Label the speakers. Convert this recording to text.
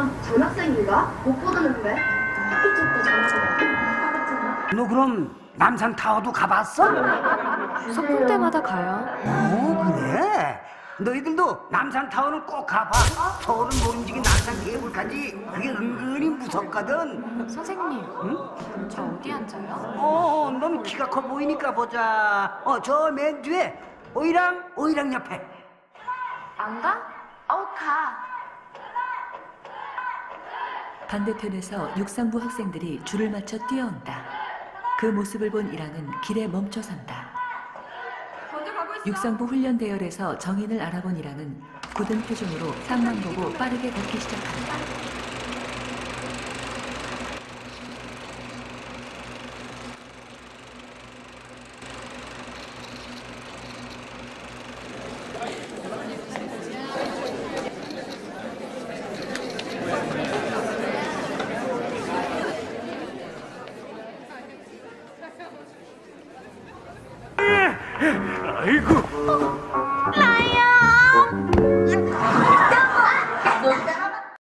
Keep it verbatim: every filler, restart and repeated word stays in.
Speaker 1: 전, 전학생인가? 못 보던데. 학기 초때 전학생.
Speaker 2: 너 그럼 남산타워도 가봤어?
Speaker 3: 소풍 때마다 가요.
Speaker 2: 어, 그래? 너희들도 남산타워는 꼭 가봐. 서울은 모름지기 남산 케이블카지. 그게 은근히 무섭거든.
Speaker 3: 선생님,
Speaker 2: 응?
Speaker 3: 저 어디 앉아요?
Speaker 2: 어, 넌 키가 커 보이니까 보자. 어, 저 맨 뒤에 오이랑 오이랑 옆에.
Speaker 3: 안 가? 어, 가.
Speaker 4: 반대편에서 육상부 학생들이 줄을 맞춰 뛰어온다. 그 모습을 본 이랑은 길에 멈춰 선다. 육상부 훈련 대열에서 정인을 알아본 이랑은 굳은 표정으로 상만 보고 빠르게 걷기 시작한다.
Speaker 5: 아이고,